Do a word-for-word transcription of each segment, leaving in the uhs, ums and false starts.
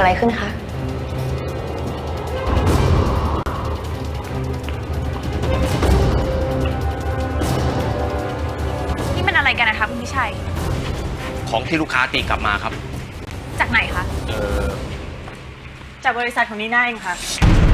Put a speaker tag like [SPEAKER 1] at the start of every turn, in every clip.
[SPEAKER 1] อะไรขึ้นคะ
[SPEAKER 2] นี่มันอะไรกันนะคะคุณพิชัย
[SPEAKER 3] ของที่ลูกค้าตีกลับมาครับ
[SPEAKER 2] จากไหนคะ
[SPEAKER 3] เออ
[SPEAKER 4] จากบริษัทของนีน่าเองค่ะ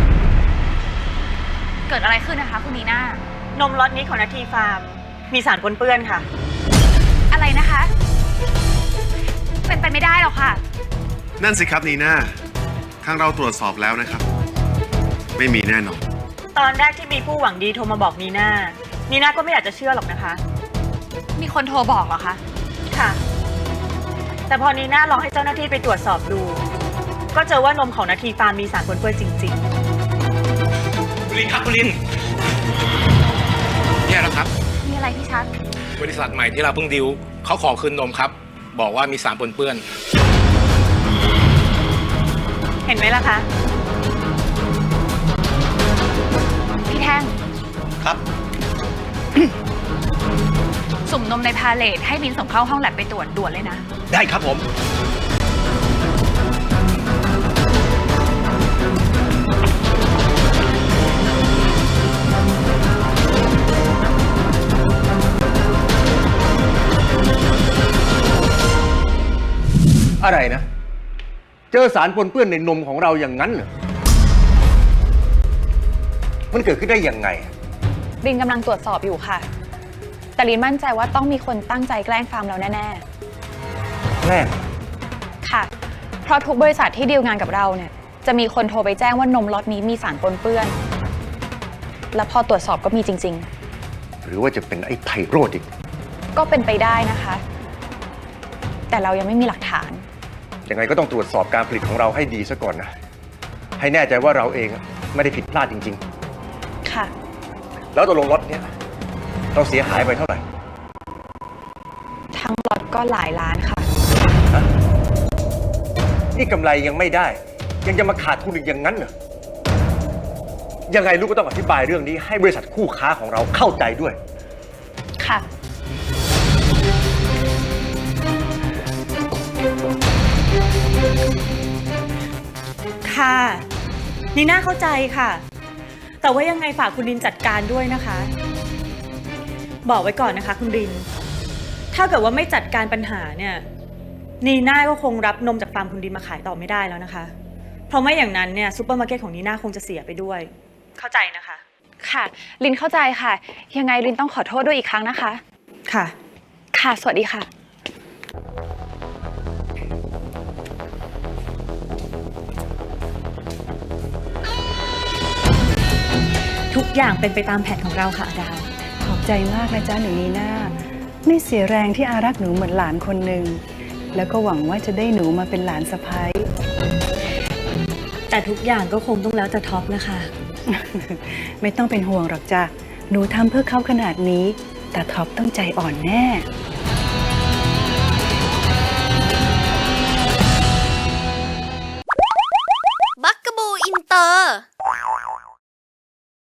[SPEAKER 2] เกิดอะไรขึ้นนะคะคุณนีน่าน
[SPEAKER 4] มล็อตนี้ของนาทีฟาร์มมีสารปนเปื้อนค่ะ
[SPEAKER 2] อะไรนะคะเป็นไปไม่ได้หรอกค่ะ
[SPEAKER 5] นั่นสิครับนีน่าทางเราตรวจสอบแล้วนะครับไม่มีแน่นอน
[SPEAKER 4] ตอนแรกที่มีผู้หวังดีโทรมาบอกนีน่านีน่าก็ไม่อยากจะเชื่อหรอกนะคะ
[SPEAKER 2] มีคนโทรบอกเหรอคะ
[SPEAKER 4] ค่ะแต่พอนีน่าลองให้เจ้าหน้าที่ไปตรวจสอบดูก็เจอว่านมของนาทีฟาร์มมีสารปนเปื้อนจริงๆ
[SPEAKER 3] คุณลินครับคุณลินแย่แล้วครับ
[SPEAKER 2] มีอะไรพี่ชัด
[SPEAKER 3] บริษัทใหม่ที่เราเพิ่งดิวเขาขอคืนนมครับบอกว่ามีสารปนเปื้อน
[SPEAKER 4] เห็นไหมล่ะคะ
[SPEAKER 2] พี่แท่ง
[SPEAKER 3] ครับ
[SPEAKER 2] สุ่มนมในพาเลทให้ลินส่งเข้าห้องแลบไปตรวจด่วนเลยนะ
[SPEAKER 3] ได้ครับผม
[SPEAKER 6] อะไรนะเจอสารปนเปื้อนในนมของเราอย่างนั้นเหรอมันเกิดขึ้นได้ยังไง
[SPEAKER 1] ลินกำลังตรวจสอบอยู่ค่ะแต่ลินมั่นใจว่าต้องมีคนตั้งใจแกล้งฟาร์มเราแน่
[SPEAKER 6] ๆแกล้ง
[SPEAKER 1] ค่ะเพราะทุกบริษัทที่ดีลงานกับเราเนี่ยจะมีคนโทรไปแจ้งว่านมล็อตนี้มีสารปนเปื้อนแล้วพอตรวจสอบก็มีจริง
[SPEAKER 6] ๆหรือว่าจะเป็นไอ้ไพโรจน์อีก
[SPEAKER 1] ก็เป็นไปได้นะคะแต่เรายังไม่มีหลักฐาน
[SPEAKER 6] ยังไงก็ต้องตรวจสอบการผลิตของเราให้ดีซะก่อนนะให้แน่ใจว่าเราเองไม่ได้ผิดพลาดจริง
[SPEAKER 1] ๆค่ะ
[SPEAKER 6] แล้วตกลงล็อตเนี้ยเราเสียหายไปเท่าไหร่
[SPEAKER 1] ทั้งล็อตก็หลายล้านค่ะ
[SPEAKER 6] นี่กำไรยังไม่ได้ยังจะมาขาดทุนอีกอย่างนั้นเหรอยังไงลูกก็ต้องอธิบายเรื่องนี้ให้บริษัทคู่ค้าของเราเข้าใจด้วย
[SPEAKER 1] ค่ะ
[SPEAKER 4] ค่ะนีน่าเข้าใจค่ะแต่ว่ายังไงฝากคุณรินจัดการด้วยนะคะบอกไว้ก่อนนะคะคุณรินถ้าเกิดว่าไม่จัดการปัญหาเนี่ยนีน่าก็คงรับนมจากฟาร์มคุณรินมาขายต่อไม่ได้แล้วนะคะเพราะไม่อย่างนั้นเนี่ยซูเปอร์มาร์เก็ตของนีน่าคงจะเสียไปด้วยเข้าใจนะคะ
[SPEAKER 1] ค่ะลินเข้าใจค่ะยังไงลินต้องขอโทษด้วยอีกครั้งนะคะ
[SPEAKER 4] ค่ะ
[SPEAKER 1] ค่ะสวัสดีค่ะ
[SPEAKER 4] ทุกอย่างเป็นไปตามแผนของเราค่ะอาดา
[SPEAKER 7] ขอบใจมากนะจ๊ะหนูนีน่าไม่เสียแรงที่อารักหนูเหมือนหลานคนหนึ่งแล้วก็หวังว่าจะได้หนูมาเป็นหลานสะใภ้
[SPEAKER 4] แต่ทุกอย่างก็คงต้องแล้วแต่ท็อปนะคะ
[SPEAKER 7] ไม่ต้องเป็นห่วงหรอกจ้ะหนูทำเพื่อเขาขนาดนี้แต่ท็อปต้องใจอ่อนแน่